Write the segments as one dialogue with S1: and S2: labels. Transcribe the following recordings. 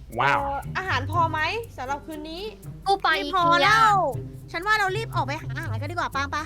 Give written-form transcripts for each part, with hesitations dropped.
S1: ว้าว
S2: อาหารพอไหมสำหรับคืนนี้
S3: ตู้ปลา
S4: ไม่
S3: อี
S4: พอ
S3: เกีย
S4: แล้ว ฉันว่าเรารีบออกไปหาอาหารกันดีกว่าปางปะ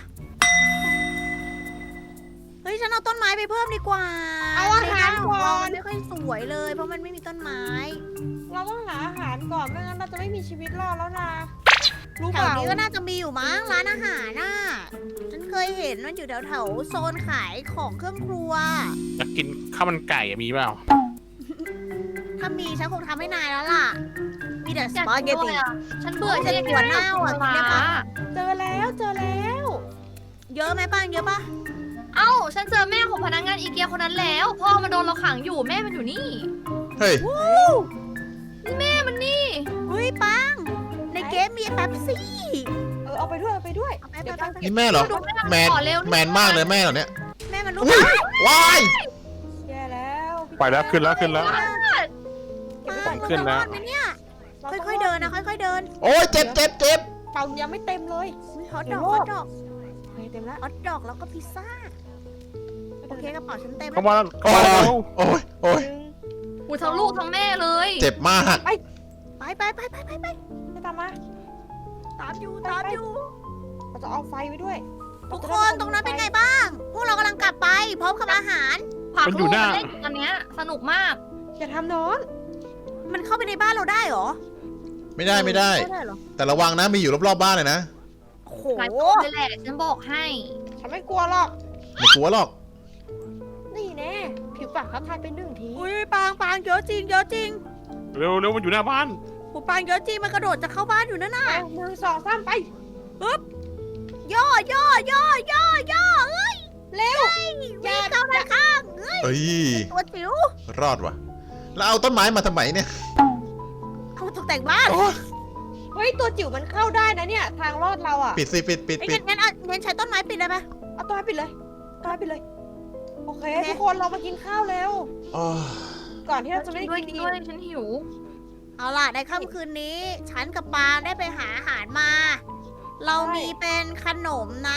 S4: เฮ้ยฉันเอาต้นไม้ไปเพิ่มดีกว่า
S2: เอาอาหาร
S4: ใน
S2: ก่
S4: บ้
S2: อน
S4: มันไม่ค่อยสวยเลย เพราะมันไม่มีต้นไม้
S2: เราต้องหาอาหารก่อนไม่งั้นเราจะไม่มีชีวิตรอดแล้วนะรู้
S4: แถ
S2: เป
S4: ว
S2: ล่า
S4: นี้ก็น่าจะมีอยู่มั้งร้านอาหารน่ะ ฉันเคยเห็นมันอยู่แถวๆโซนขายของเครื่องครัว
S1: อยากกินข้าวมันไก่อะมีเปล่า
S4: ถ้ามีฉันคงทำให้นายแล้วล่ะ มีแต่ส
S3: อยาก
S4: ปา
S3: กิน
S4: เกต
S3: ด้ว
S4: ตี
S3: ยอะฉันเบื่อ
S4: ฉัน
S3: ที่
S4: ปวดหน้าอ่ะกินได้ปะ
S2: เจอแล้วเจอแล้ว
S4: เยอะไหมป้างเยอะปะ
S3: เอ้า ฉันเจอแม่ของพนักงานอีเกียคนนั้นแล้ว พ่อมันโดนเราขังอยู่แม่มันอยู่นี่
S5: เฮ้ย
S3: แม่มันนี่
S4: เฮ้ยปัง ในเกมมีแป๊บซี่
S2: เอาไปด้วยเอาไปด้วย
S4: เอาไป
S2: เดี๋ยว
S4: ไป
S2: แป๊บ
S4: ไป
S5: นี่แม่เหรอ
S3: ดูแม่
S5: แมน
S3: ขอเร็ว
S5: แมนมากเลยแม่เหรอเนี่ย
S4: แม่มันลุก
S5: อุ๊ยว้าย
S2: แย่แล้วพี่
S1: ไปแล้วขึ้นแล้วขึ้นแล้ว
S4: ปัง
S1: ขึ้นแล้ว
S4: เราจะรอดไหมเนี่ย
S2: เราต้ง
S4: ค่อยๆเดินนะค่อยๆเดิน
S5: โอ้ยเจ็บเจ็บเจ็บ
S2: เป่ายังไม่เต็มเลย
S4: อุ๊ยฮอต
S2: เดี๋
S4: ด
S2: ย
S4: อ
S2: ว
S4: ก
S2: โล
S4: ฮอ
S2: ด
S4: ตดอก
S2: โอเคเต็มแล้ว
S4: ฮอตดอกแล้วก็พิซซ่า โอเคกระเป๋าฉันเต็ม
S1: เข้ามาแล้วเข้า
S5: โอ้
S1: มาแล้ว
S5: ยโอ้ยโอ้ย
S3: อุ้ยทั้งลูกทั้งแม่เลย
S5: เจ็บมาก
S4: ไปไปไปไปไปไป
S2: จะตามมา
S4: ตามอยู่ตามอยู่
S2: เราจะเอาไฟไว้ด้วย
S4: ทุกคนตรงนั้นเป็นไงบ้าง พวกเรากำลังกลับไป พร้อมกับอาหาร
S3: ผักลูกมันเล่นอยู่ตอนเนี้ยสนุกมาก
S2: อย่าทำนอน
S4: มันเข้าไปในบ้านเราได้เหรอ
S5: ไม่ได้ไม่ได้
S4: ไม่ได้เหรอ
S5: แต่ระวังนะมีอยู่รอบๆบ้านเลยนะ
S4: โอ้โห
S3: หลายตัวเลยแหละฉันบอกให้
S2: ฉันไม่กลัวหรอก
S5: ไม่กลัวหรอก
S2: นี่แน่ผิวปากทักทายเป็นหนึ่งที
S4: อุ้ยปางปางเยอะจริงเยอะจริง
S1: เร็วเร็วมันอยู่หน้าบ้าน
S4: หูปางเยอะจริงมันกระโดดจะเข้าบ้านอยู่นั่นน่ะ
S2: เอามือสองสามไป
S4: ย่อย่อย่อย่อย่อเอ้ย
S2: เร็ว
S4: วิ่งเข้าด้านข้างเอ้ย
S5: เอ้ย
S4: ตัวจิ๋ว
S5: รอดว่ะ แล้วเอาต้นไม้มาทำไมเนี่ย
S4: เอามาตกแต่งบ้าน
S5: โอ้ย
S2: เฮ้ยตัวจิ๋วมันเข้าได้นะเนี่ย ทางรอดเราอ่ะ
S5: ปิดสิปิดปิด
S4: ไอ้
S5: ปิด
S4: งั้นงั้นใช้ต้นไม้ปิดได้ไหม
S2: เอาตัวให้ปิดเลยตัวให้ปิดเลย โอเค
S4: โอเค
S2: ทุกคนเรามากินข้าวแล้ว
S5: โอ้ย
S2: ก่อนที่เราจะไม่
S3: ด้วย
S2: ได้กิน
S3: ด้วยฉันหิว
S4: เอาล่ะในค่ำคืนนี้ ฉันกับปางได้ไปหาอาหารมา เรามีเป็นขนมนะ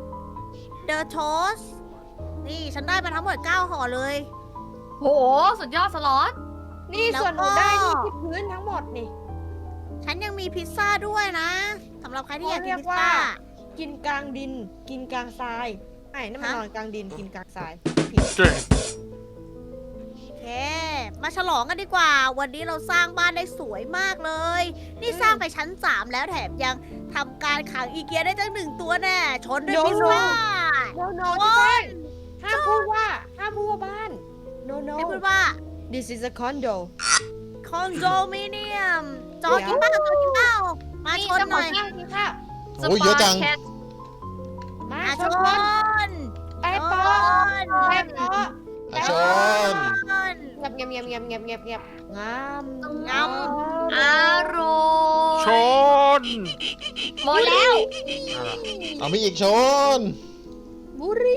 S4: The Toast นี่ฉันได้มาทั้งหมด9ห่อเลย
S3: โห สุดยอดสล็อต
S2: นี่
S4: แล้ว
S2: ส่วนหนู
S4: ก็
S2: ได้นี่ที่พื้นทั้งหมดนี่
S4: ฉันยังมีพิซซ่าด้วยนะสำหรับใครที่อยากกิน
S2: เขาเรียก
S4: พิซซ่า
S2: ว่า กินกลางดิน กินกลางทรายไอ้นั่นมัน
S4: ฮะ
S2: นอนกลางดินกินกลางทราย
S1: เจ๋ง
S4: โอเค มาฉลองกันดีกว่า วันนี้เราสร้างบ้านได้สวยมากเลย นี่สร้างไปชั้น 3 แล้วแถมยังทำการขังอีเกียได้ตั้ง1 ตัวแน่ ชนด้วยพิซซ่า
S2: โนโนพี่แป้งห้ามพูดว่าบ้าน no no
S4: ไม่พูดว่า
S2: this is a condo
S4: คอนโดมิเนียมจอกินเป้าจอกินเป้ามาชนหน่อย
S2: ข้าวกินข้าว
S5: โอ้ยเยอะจัง
S3: สปาแคท
S2: มา
S4: มา
S2: ช
S4: ช
S2: น
S4: น
S2: ไปปอไปปอ
S5: อาชน
S2: เงียบเงียบเงียบเงียบเงียบเงียบงาม
S4: งาม
S3: อร่อย
S1: ชน
S3: หมดแล้ว
S5: เอามีอีกชน
S2: บุรี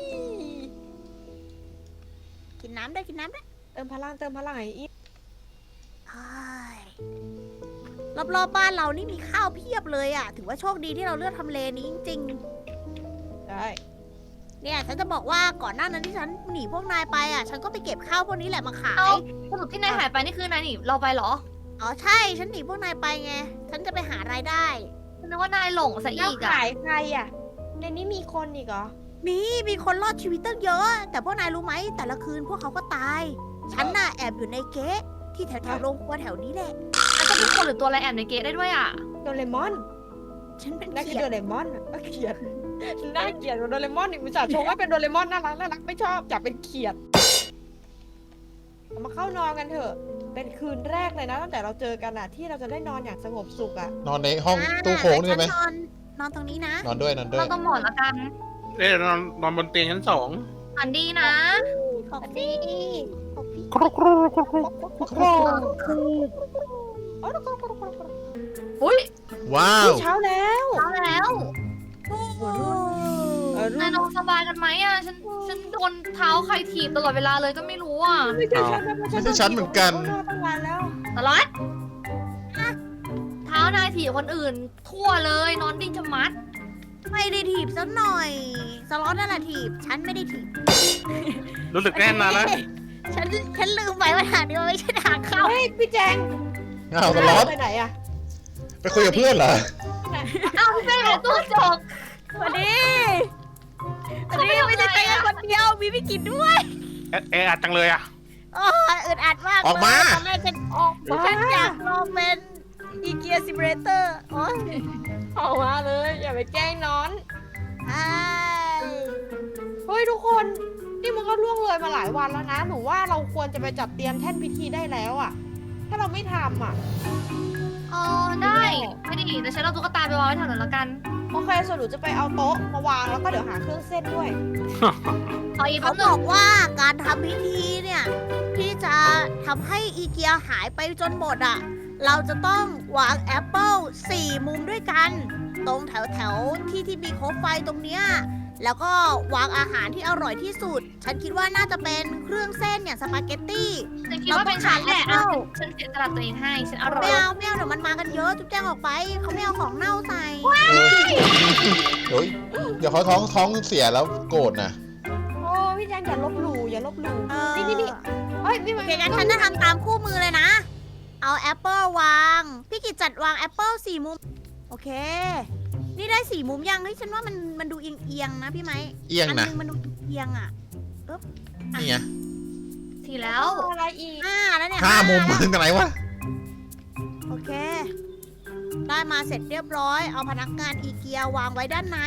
S4: กินน้ำได้กินน้ำได้
S2: เติมพลังไอ้อี
S4: รอบๆบ้านเรานี่มีข้าวเพียบเลยอ่ะ ถือว่าโชคดีที่เราเลือกทำเลนี้จริง
S2: ได้
S4: ๆ เนี่ยฉันจะบอกว่าก่อนหน้านั้นที่ฉันหนีพวกนายไปอ่ะ ฉันก็ไปเก็บข้าวพวกนี้แหละมาขาย
S3: เอ้า สรุปที่นายหายไปนี่คือนายหนีเราไปเหรอ
S4: อ๋อใช่ ฉันหนีพวกนายไปไง ฉันจะไปหารายได้
S3: ฉันนึกว่านายหลงซะ
S2: แล้ว
S3: อีกอะ
S2: ขายใครอ่ะ ในนี้มีคนอีกเหรอ
S4: มีคนรอดชีวิตตั้งเยอะ แต่พวกนายรู้ไหมแต่ละคืนพวกเขาก็ตาย ฉันน่ะแอบอยู่ในเก๊ะที่แถวๆโรงครัวแถวนี้แหละ
S3: อาจจะเป็นคนหรือตัวอะไรแอบในเกตได้ด้วยอะ
S2: โดเรมอน
S4: ฉันเป็น
S2: นั่นคื
S4: เขี
S2: อย โด
S4: ด
S2: เรมอนอะเขียดน่าเกลียดกว่าโดเรมอนอีกอุตส่าห์ชมว่าเป็นโดเรมอนน่ารักไม่ชอบอยากเป็นเขียดเอามาเข้านอนกันเถอะ เป็นคืนแรกเลยนะตั้งแต่เราเจอกันอะที่เราจะได้นอนอย่างสงบสุขอะ
S5: นอนในห้องตู้โค้งนี่ไหม
S4: ฉันอนตรงนี้นะ
S5: นอนด้วยนอนด้วย
S3: เราต้องหมอนละกัน
S1: เอ๊ะนอนบนเตียงชั้น 2
S3: อันดีนะ
S4: ขอบพี่ขอบพี่
S1: ครุกครุกครุกครุกครุก
S3: อุ้ย
S5: ว้าว
S2: เช้าแล้ว
S3: เอาแล้ว
S2: รุ่
S3: นายนอนสบายกันไหมอะฉันโดนเท้าใครถีบตลอดเวลาเลยก็ไม่รู้อะ
S2: ไม่ใช่ฉันนะ
S5: ไม่ใช่ฉันเหมือนกัน
S2: ตั้งวันแล้ว
S3: สล็อตเท้านายถีบคนอื่น ทั่วเลยนอนดิ้นชะมัด
S4: ไม่ได้ถีบสักหน่อย สล็อตนั่นแหละถีบ ฉันไม่ได้ถีบ
S1: รู้สึกแน่นอนแล้ว
S4: ฉันลืมไปว่าทางนี้มันไม่ใช่ทางเข้า
S2: เฮ้ยพี่แจง
S5: อ้าวสล็อต
S2: ไปไหนอะ
S5: ไปคุยกับเพื่อนเหรอ
S3: เอ้าพี่แป้งเป็นตัวจก
S4: วันนี้ไม่ใช่ไปกันคนเดียว มีพี่กินด้วย
S1: เอะอัดจังเลยอ่ะ
S4: โอ้ยอึดอัดมาก
S5: ออกมา
S4: ตอนแรกฉันอยากลองเป็นอีเกียซิมูเลเตอร์โอ้ย
S2: ออกมาเลย อย่าไปแกล้งน้อน
S4: ไอ้
S2: เฮ้ยทุกคน นี่มันก็ล่วงเลยมาหลายวันแล้วนะ หนูว่าเราควรจะไปจัดเตรียมแท่นพิธีได้แล้วอะถ้าเราไม่ทำอะ
S3: อ๋อได้ไม่ดีแต่ฉันเอาตุ๊กตาไปวางไว้แถวนั้นแล้วกัน
S2: โอเคส่วนหนูจะไปเอาโต๊ะมาวางแล้วก็เดี๋ยวหาเครื่องเส้นด้วย
S3: ขออีก
S4: เขา
S3: แป๊บบ นึ
S4: อง กว่าการทำพิธีเนี่ย ที่จะทำให้อีเกียหายไปจนหมดอ่ะ เราจะต้องวางแอปเปิล4 มุมด้วยกัน ตรงแถวที่มีโคมไฟตรงเนี้ยแล้วก็วางอาหารที่อร่อยที่สุด ฉันคิดว่าน่าจะเป็นเครื่องเส้นอย่างสปาเกตตี้
S3: ฉันคิดว่าเป็นฉันแหละ
S4: เราต้อง
S3: ฉันเสียสละตัวเองให้ฉันอร่อย
S4: ไม่เอาเดี๋ยวมันมากันเยอะจุ๊บแจ้งออกไป เขาไม่เอาของเน่าใส่
S5: เฮ้ยเดี๋ยวเขาท้องเสียแล้วโกรธนะ
S2: โอ้พี่แจงอย่าลบหลู่อย่าลบหลู่
S4: เออ
S2: นี่เฮ้ยนี่
S4: โอ
S2: มัน
S4: เคงั้นฉันจะทำตามคู่มือเลยนะ เอาแอปเปิลวาง พี่กิจจัดวางแอปเปิล4 มุม โอเค นี่ได้4 มุมยังเฮ้ยฉันว่ามันดูเอียงๆนะพี่ไหม
S5: เอียง
S4: อั
S5: นะ
S4: นึงมันดูเอียงอ่ะ
S5: นี่ไง
S3: ทีแล้ว
S2: อะไรอีก
S4: แล้วเนี่ย
S5: 5 มุม
S4: แล้ว
S5: มึงกันไหนวะ
S4: โอเค ได้มาเสร็จเรียบร้อย เอาพนักงานอีเกียวางไว้ด้านใน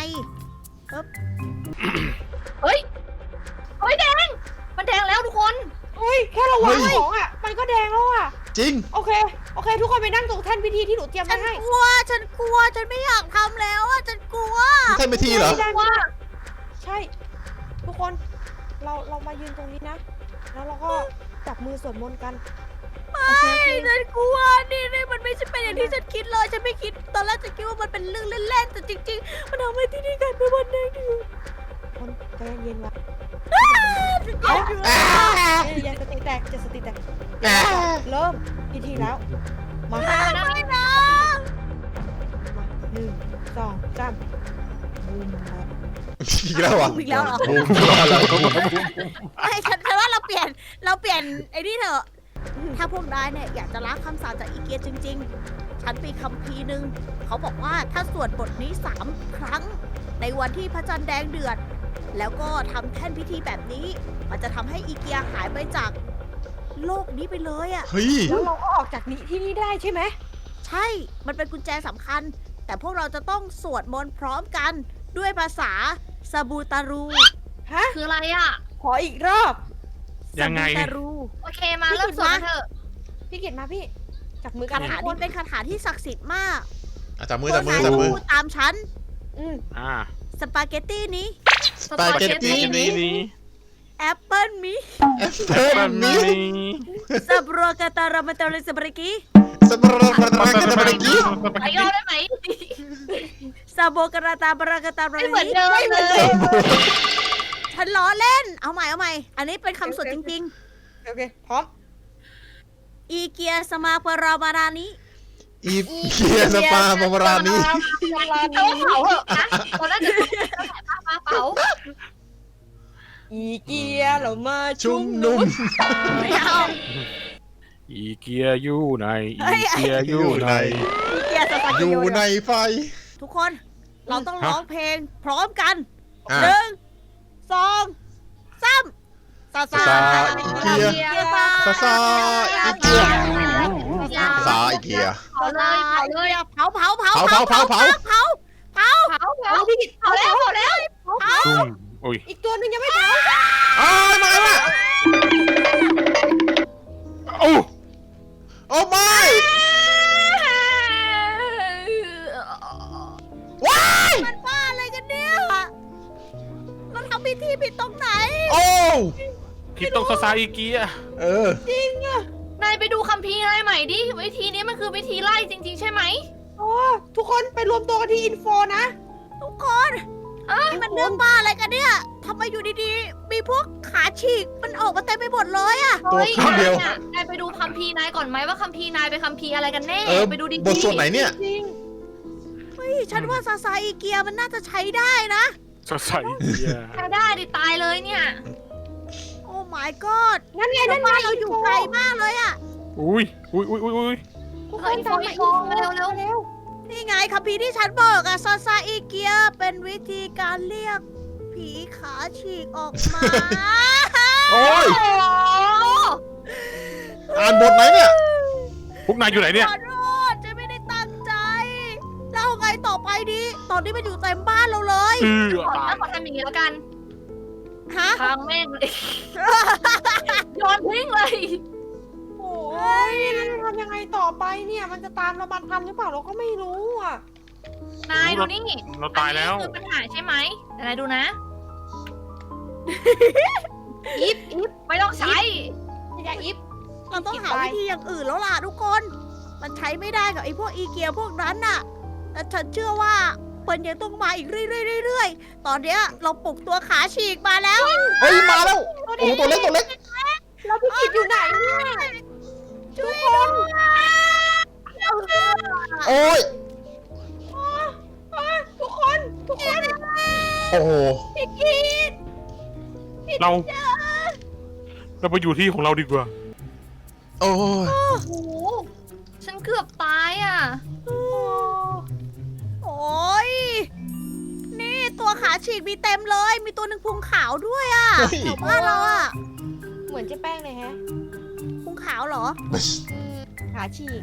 S3: เฮ้ยแดงมันแดงแล้วทุกคน
S2: เฮ้ยแค่เราวาง
S5: เฮ้ย
S2: ของอะมันก็แดงแล้วอะ
S5: จริง
S2: โอเคทุกคนไปนั่งตรงแท่นพิธีที่หนูเตรียม
S4: ฉั
S2: ไว้
S4: น
S2: ให้
S4: กลัว ฉันไม่อยากทำแล้วอ่ะ ฉันกลัว
S5: นี่ท่านไปทีเหรอ
S3: ว่า
S2: ใช่ ทุกคนเรามายืนตรงนี้นะ แล้วเราก็จับมือสวดมนต์กัน
S4: ไม่ฉันกลัวนี่มันไม่ใช่เป็นอย่างที่ฉันคิดเลย ฉันไม่คิด ตอนแรกฉันคิดว่ามันเป็นเรื่องเล่นๆ แต่จริงๆ มันทำให้ที่นี่กลายเป็นวันแดงดืด
S2: คนใจเย็นๆวะ
S4: เอา
S2: เย็นๆสติแตกจะสติแตก
S5: อ่า
S2: เริ่มพิธีแล้ว มา
S4: ไม่นะ
S2: 1 2 3บูมครับ
S5: อีกแล้วเหรอ
S4: อีกแล้วเหรอ
S5: บูมรอแล้ว
S4: ไอ้ฉันว่าเราเปลี่ยนไอ้นี่เถอะ ถ้าพวกนายเนี่ยอยากจะล้างคำสาปจากอีเกียจริง ๆ ฉันมีคัมภีร์หนึ่งเขาบอกว่าถ้าสวดบทนี้3 ครั้ง ในวันที่พระจันทร์แดงเดือด แล้วก็ทำแท่นพิธีแบบนี้ มันจะทำให้อีเกียหายไปจากโลกนี้ไปเลยอะ่ะ
S5: เฮ้ย
S2: แล้วเราก็ออกจากนี้ที่นี่ได้ใช่ไหม
S4: ใช่ มันเป็นกุญแจสำคัญ แต่พวกเราจะต้องสวดมนต์พร้อมกันด้วยภาษาซาบูตารู
S2: ฮะ
S3: คืออะไรอ่ะ
S2: ขออีกรอบ
S1: ยังไง
S4: ซาบูตารู
S3: โอเคมาเริ่มสวดกันเถอะ
S2: พี่กิตมาพี่ จับมือกั
S4: คาน ถา
S2: ทุกค
S4: นี้
S2: น
S4: เป็นคาถาที่ศักดิ์สิทธิ์มาก
S5: อ่ะจับมือ
S4: พ
S5: จั
S4: ว
S5: บ
S4: ก
S5: มื
S4: นา
S5: อย จับมือ
S4: พูดตามฉัน
S2: อืม
S1: อ่า
S4: สปาเกตตี้นี้
S5: สปาเกตตี้
S1: นี้
S4: แอปเปิลมิ
S5: แอปเปิ้ลนี้
S4: ซาบรกาตารามาตาลิสบริกิ
S5: สปาร์ตาร์ตาร์กี้
S3: ไปยอดได้ไหม
S4: ซาโบกราตาบรากาตาบริ
S3: ไม่เหมือน
S4: กิ
S3: เดิมเลย
S4: ฉันล้อเล่น เอาใหม่ อันนี้เป็นคำสวดจริง
S2: โอเค พร้อม
S4: ๆ อีเกียสมาปรามารานิ
S5: อีเกียสปาบารานี้
S3: แต่ว่าเผาเหอะนะตอนแรกจะเผา
S2: อีเกียเรามา
S5: ชุ่มนุ่ม
S4: ไม่เอา
S1: อีเกียอยู่ไหนอีเกียอยู่ไหน
S4: อีเกียสปา
S5: อ
S4: เกต
S5: ยู่
S4: ตี้
S5: ในไฟ
S4: ทุกคน เราต้องร้องเพลงพร้อมกัน
S5: อ่ะ
S4: 1 2 3ซาซา
S5: ซาอีเกีย ซาซาอีเกียซาอีเกีย
S3: เผาเลยเผาเลย
S4: เผา
S5: เผา
S2: พี่กิต
S3: เผาแล้ว
S1: ชุ่มโอ้ย
S2: อีกตัวหนึ่งยังไม่เผา
S5: อ้าวมาแล้ว
S1: โอ้
S5: โอ้ไม่ว้าย
S4: มันบ้าอะไรกันเนี่ย เราทำพิธีผิดตรงไหน
S5: โอ้
S1: ผิดตรงซาซาอีเกีย
S5: เออ
S3: นายไปดูคัมภีร์อะไรใหม่ดิวิธีนี้มันคือวิธีไล่จริงๆใช่ไหม
S2: โอ้ทุกคนไปรวมตัวกันที่อินโฟนะ
S4: ทุกคนนี่มันเรื่องบ้าอะไรกันเนี่ยทำไมอยู่ดีๆ มีพวกขาฉีก มันออกมาเต็มไปหมดเลยอะ
S5: ตัวข้างเดียว
S3: นายไปดูคัมภีร์นายก่อนไหมว่าคัมภีร์นายเป็นคัมภีร์อะไรกันแน่
S5: เออ
S3: ไปดูดีๆ
S5: บทส่วนไหนเนี่ย
S2: จริง
S4: เฮ้ย ฉันว่าซาซาอีเกียมันน่าจะใช้ได้นะ
S1: ซาซาอีเกีย
S3: ใช้ได้ดิตายเลยเนี่ย
S4: โอ้ my god
S2: นั่นไง
S4: แล้
S2: นั่
S4: วน
S2: ไง
S4: บ้านเราอยู่ไกลมากเลยอะ
S1: อุ้ยอุ้ยอุ้ยอุ้ย
S2: ทุกคนตามมาอีก
S3: มาเร็ว
S2: เร็ว
S4: นี่ไงคัมภีร์ที่ฉันบอกอะซาซาอีเกียเป็นวิธีการเรียกผีขาฉีกออกมา
S5: โอ้ย
S3: โอ้โห
S5: อ่านบทไหนเนี่ย
S1: พวกนายอยู่ไหนเนี่ย
S4: ขอโทษฉันไม่ได้ตั้งใจแล้วเอาไงต่อไปดีตอนนี้มันอยู่เต็มบ้านเราเลย
S3: ขอ
S1: ตาย
S3: ขอทำอย่างนี้แล้วกัน
S4: ฮะ
S3: ทางแม่งเลยโยนทิ้งเลย
S2: โอ้ยแล้วจะทำยังไงต่อไปเนี่ย มันจะตามเรามาทันหรือเปล่าเราก็ไม่รู้อ่ะ
S3: นายดูนี่
S1: เราตายแล้ว
S3: อันนี้คือปัญหาใช่ไหมแต่นายดูนะ
S2: อิฟ
S3: ไม่ต้องใช้
S2: อย่าอิฟ
S4: เราต้องหาวิธีอย่างอื่นแล้วล่ะทุกคน มันใช้ไม่ได้กับไอ้พวกอีเกียพวกนั้นน่ะ แต่ฉันเชื่อว่ามันยังต้องมาอีกเรื่อยๆตอนเนี้ยเราปลุกตัวขาฉีกมาแล้ว
S5: เฮ้ยมาแล้ว โอ้โหตัวเล็กตัวเล็ก
S2: เราพี่กิจอยู่ไหนเนี่ย
S4: ช่วยด้วย
S5: โอ้ย
S2: ทุกคน
S5: โอ้โห
S2: พี่กิจ
S1: เราไปอยู่ที่ของเราดีกว่า
S5: โอ้ย
S3: โอ้โห ฉันเกือบตายอ่ะ
S4: โอ้ยนี่ตัวขาฉีกมีเต็มเลย มีตัวหนึ่งพุงขาวด้วยอ่ะ
S5: เฮ้ย
S4: แถวบ้านเราอ่ะ
S2: เหมือนเจ๊แป้งเลยแฮะ
S4: พุงขาวเหรอ
S2: ขาฉีก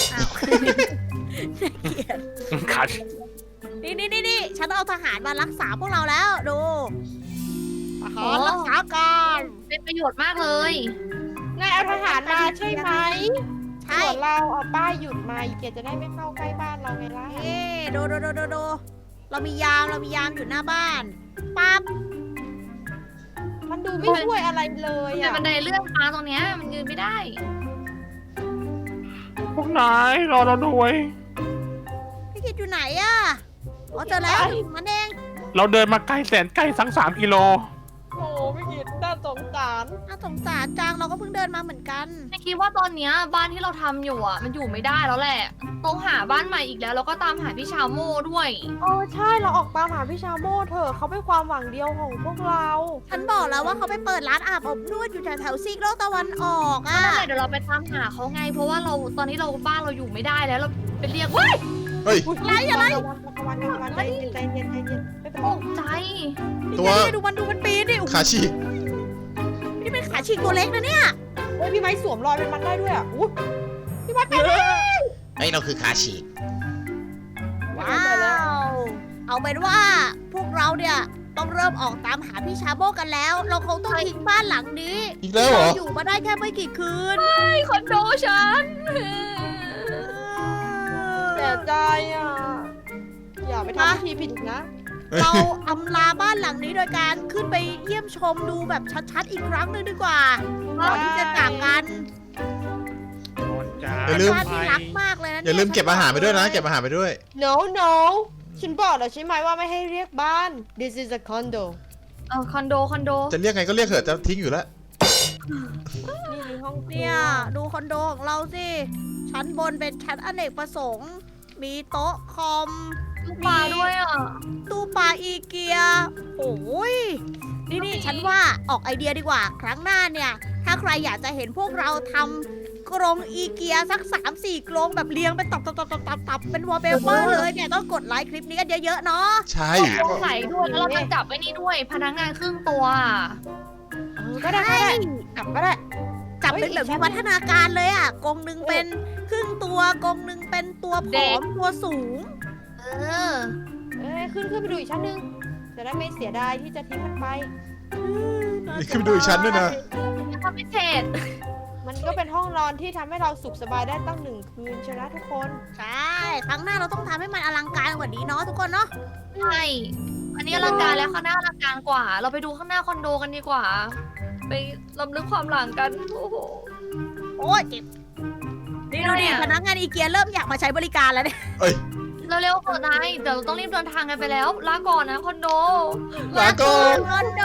S1: ขาด
S4: นี่ฉันเอาทหารมารักษาพวกเราแล้ว ดูทหาร
S3: โอ้
S4: รักษาการ
S3: เป็นประโยชน์มากเลย
S2: นายเอาทหารมาใช่ไหม
S4: ใช่
S2: ส่วนเราเอาป้ายหยุดมาอีเกียจะได้ไม่เข้าใกล้บ้านเราไงล่ะ
S4: นี่ดูเรามียามอยู่หน้าบ้านปั๊บ
S2: มันดูไม่ช่วยอะไรเลย
S3: เป็น
S2: อ่ะ
S3: บันไดเลื่อนมาตรงเนี้ยมันยืนไม่ได้
S1: พวกนายรอเราด้วย
S4: พี่กิดอยู่ไหนอ่ะอ๋อเจอแล้วถึงมันเอง
S1: เราเดินมาไกลแสนไกลทั้ง3 กิโล
S2: โอ้พี่กิจน่าสงสาร
S4: น่าสงสารจังเราก็เพิ่งเดินมาเหมือนกัน
S3: ไม่คิดว่าตอนเนี้ยบ้านที่เราทำอยู่อ่ะ มันอยู่ไม่ได้แล้วแหละ ต้องหาบ้านใหม่อีกแล้ว แล้วก็ตามหาพี่ชาวโม่ด้วย
S2: โอ้ใช่เราออกตามหาพี่ชาโม่เถอะเขาเป็นความหวังเดียวของพวกเรา
S4: ฉันบอกแล้วว่าเขาไปเปิดร้านอาบอบนวดอยู่แถวๆซีกโลกตะวันออกอ่ะ
S3: นั่นแหละเดี๋ยวเราไปตามหาเขาไง เพราะว่าเราตอนนี้เราบ้านเราอยู่ไม่ได้แล้วเราไปเรียกเว้ย
S5: เฮ้ย
S2: อะไรใจเย็นใจเย็นใจเย็นไม่เป็น
S3: ต
S2: ไร
S3: กใจ
S5: ตัว
S4: นี่ดูมันปีนดิโอ้โห
S5: ขาฉีก
S4: นี่เป็นขาฉีกตัวเล็กนะเนี่ย
S2: เฮ้ยพี่ไม้สวมรอยเป็นมันได้ด้วยอ่ะอุ๊ยพี่ไม้เป็น
S5: ไอ้เราคือขาฉีก
S4: ว้าว เอาเป็นว่าพวกเราเนี่ยต้องเริ่มออกตามหาพี่ชาโบกันแล้ว เราคงต้องทิ้งบ้านหลังนี้
S5: อีกแล้วเหรอ
S4: เราอยู่มาได้แค่ไม่กี่คืน
S3: ไอ้คอนโดฉัน
S2: เสียใจอ่ะอย่าไปทำพิธีผิดอีกนะ
S4: เราอำลาบ้านหลังนี้โดยการขึ้นไปเยี่ยมชมดูแบบชัดๆอีกครั้งหนึ่งดีกว่าก่อนที่จะจากกัน
S5: อย่าลืม
S4: บ้านที่รักมากเลยนะ
S5: อย่าลืมเก็บอาหารไปด้วยนะ เก็บอาหารไปด้วย
S2: no ฉันบอกแล้วใช่ไหมว่าไม่ให้เรียกบ้าน this is a condo
S3: คอนโด
S5: จะเรียกไงก็เรียกเถอะจะทิ้งอยู่แล้ว
S2: นี่คือห้องครัว
S4: เนี่ยดูคอนโดของเราสิ ชั้นบนเป็นชั้นอเนกประสงค์ มีโต๊ะคอม
S3: ลูกปลาด้วยอ่ะ
S4: ตู้ปลาอีเกีย โอ้ย นี่ฉันว่าออกไอเดียดีกว่า ครั้งหน้าเนี่ย ถ้าใครอยากจะเห็นพวกเราทำกรงอีเกียสัก 3-4 กรงแบบเรียงเป็นตับเป็นวอลเปเปอร์เลยเนี่ย ต้องกดไลค์คลิปนี้กันเยอะๆเนาะ
S5: ใช่
S3: ใส่ด้วยแล้วเราจะจับไว้นี่ด้วย พนักงานครึ่งตัว
S2: ก็ได้กลับก็ได้
S4: จับเป็นแบบ
S2: เฮ้ย
S4: วิวัฒนาการเลยอ่ะกรงหนึ่งเป็นครึ่งตัวกรงหนึ่งเป็นตัวผ
S3: เด็
S4: อก มตัวสูง
S3: เออ
S2: ขึ้นไปดูอีกชั้นหนึงจะได้ไม่เสียดายที่จะทิ้งมันไป
S5: นี่ขึ้นไปดูอีกชั้นด้วยนะ
S3: ทำไม่เสร็จ
S2: มันก็เป็นห้องนอนที่ทำให้เราสุขสบายได้ตั้ง1 คืนใช่ไหมทุกคน
S4: ใช่ ครั้งหน้าเราต้องทำให้มันอลังการกว่านี้เนาะทุกคนเนาะ
S3: ใช่ อันนี้อลังการแล้วข้างหน้าอลังการกว่า เราไปดูข้างหน้าคอนโดกันดีกว่า ไปรำลึกความหลังกัน โอ้โห
S4: โอ้ยเจ็บนี่ดูดิ
S3: อะไรอะ
S4: พนักงานอีเกียเริ่มอยากมาใช้บริการแล้วเนี่ย
S3: เร็วๆเถอะนายเดี๋ยวเราต้องรีบเดินทางกันไปแล้ว ลาก่อนนะคอนโด
S5: ลาก่อน
S4: คอนโด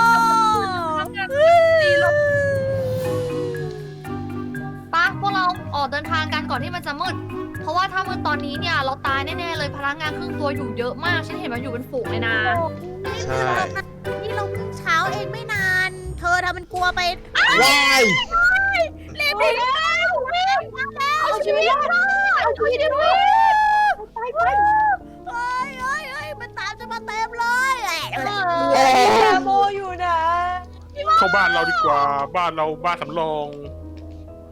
S3: ปะพวกเราออกเดินทางกันก่อนที่มันจะมืด เพราะว่าถ้ามืดตอนนี้เนี่ยเราตายแน่ๆเลยพลังงานครึ่งตัวอยู่เยอะมาก ฉันเห็นมันอยู่เป็นฝูงเลยนะ
S5: ใช่
S4: นี่เราเพิ่งเช้าเองไม่นาน เธอทำมันกลัวไป
S5: ว้าย
S4: รีบหนีแล้วรีบมาแล้ว
S2: เอาชีวิตรอดเอาชีวิตรอดไป
S4: เฮ้ยมันตามจะมาเต็มเลย
S2: แกโมอยู่นะ
S1: เข้าบ้านเราดีกว่า บ้านเราบ้านสำรอง